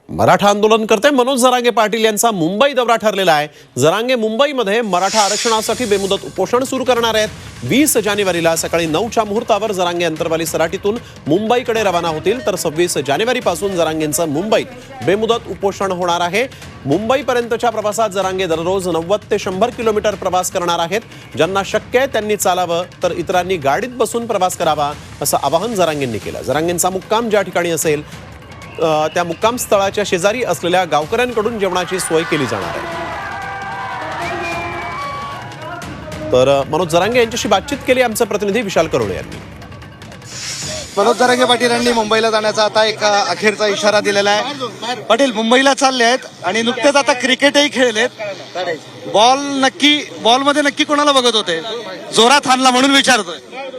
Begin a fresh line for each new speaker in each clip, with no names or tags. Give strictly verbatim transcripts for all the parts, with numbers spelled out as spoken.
मराठा आंदोलनकर्ते मनोज जरांगे पाटील यांचा मुंबई दौरा ठरलेला आहे। जरांगे मुंबईमध्ये मराठा आरक्षणासाठी बेमुदत उपोषण सुरू करणार आहेत। वीस जानेवारीला सकाळी नऊच्या मुहूर्तावर जरांगे अंतरवाली सराटीतून मुंबईकडे रवाना होतील, तर सव्वीस जानेवारी पासून जरांगेंचं मुंबईत बेमुदत उपोषण होणार आहे। मुंबईपर्यंतच्या प्रवासात जरांगे दररोज नव्वद ते शंभर किलोमीटर प्रवास करणार आहेत। ज्यांना शक्य आहे त्यांनी चालावं, तर इतरांनी गाडीत बसून प्रवास करावा, असं आवाहन जरांगेंनी केलं। जरांगेंचा मुक्काम ज्या ठिकाणी असेल त्या मुक्काम स्थळाच्या शेजारी असलेल्या गावकऱ्यांकडून जेवणाची सोय केली जाणार आहे। तर मनोज जरांगे यांच्याशी बातचीत केली आमचे प्रतिनिधी विशाल करोळे यांनी।
मनोज जरांगे पाटील यांनी मुंबईला जाण्याचा आता एक अखेरचा इशारा दिलेला आहे। पाटील मुंबईला चालले आहेत आणि नुकतेच आता क्रिकेटही खेळलेत। बॉल नक्की बॉल मध्ये नक्की कोणाला बघत होते? जोरात हाणला म्हणून विचारतोय।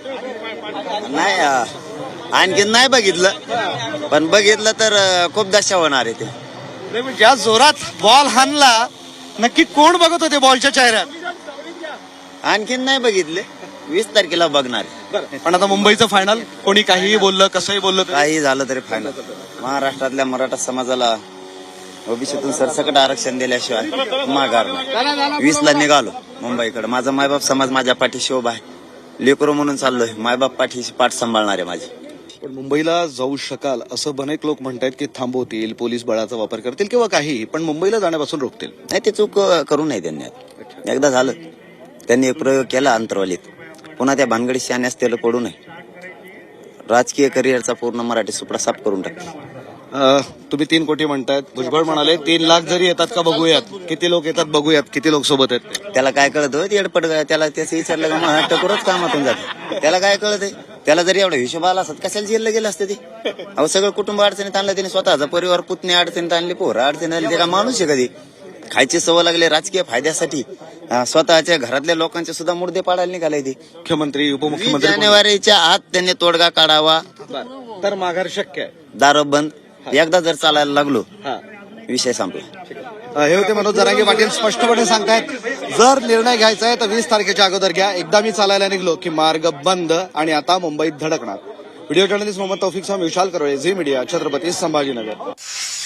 नाही, आणखीन नाही बघितलं, पण बघितलं तर खूप दशा होणार आहे ते।
ज्या जोरात बॉल हाणला नक्की कोण बघत होते बॉलच्या चेहऱ्यात?
आणखीन नाही बघितले, वीस तारखेला बघणार आहे।
पण आता मुंबईचं फायनल, कोणी काहीही बोललं, कसंही बोललं,
काही झालं तरी फायनल। महाराष्ट्रातल्या मराठा समाजाला ओबीसीतून सरसकट आरक्षण दिल्याशिवाय माघार नाही। वीस ला निघालो मुंबईकडे। माझा मायबाप समाज माझ्या पाठीशी उभा आहे। लेकरो म्हणून चाललोय, मायबाप पाठीशी पाठ सांभाळणार आहे माझी।
पण मुंबईला जाऊ शकाल असं अनेक लोक म्हणतात की थांबवतील, पोलीस बळाचा वापर करतील किंवा काहीही, पण मुंबईला जाण्यापासून रोखतील।
नाही, ते चूक करू नये त्यांनी। एकदा झालं, त्यांनी एक प्रयोग केला अंतरवालीत, पुन्हा त्या भानगडी शाण्यास त्याला पडू नये। राजकीय करिअरचा पूर्ण मराठी सुपडा साफ करून टाकला।
तुम्ही तीन कोटी म्हणतायत, भुजबळ म्हणाले तीन लाख जरी येतात का बघूयात, किती लोक येतात बघूयात, किती लोक सोबत आहेत।
त्याला काय कळत होय? एडपट त्याला त्याचं विचारलं का मग टकोरच कामातून जाते। त्याला काय कळत आहे? त्याला जरी एवढा हिशोब आला असत कशाला जेलला गेलं असतं ते? अहो, सगळं कुटुंब अडचणीत आणलं त्याने, स्वतःचा परिवार पुतणे अडचणीत आणले, पोरं अडचणीत आणले। त्याला माणूस आहे कधी? खायची सवय लागली राजकीय फायद्यासाठी, स्वतःच्या घरातल्या लोकांचे सुद्धा मुर्दे पाडायला निघाले ते।
मुख्यमंत्री, उपमुख्यमंत्री
जानेवारीच्या आत त्यांनी तोडगा काढावा,
तर माघार शक्य आहे।
दारू बंद एकदा जर चालायला लागलो, विषय संपला।
हे होते मनोज जरांगे पाटील, स्पष्टपणे सांगतायत जर निर्णय घ्यायचा आहे तर वीस तारखेच्या अगोदर घ्या। एकदा मी चालायला निघलो की मार्ग बंद आणि आता मुंबईत धडकणार। व्हिडिओ जर्नलिस्ट मोहम्मद तौफिक साहेब, विशाल करोळे, झी मीडिया, छत्रपती संभाजीनगर।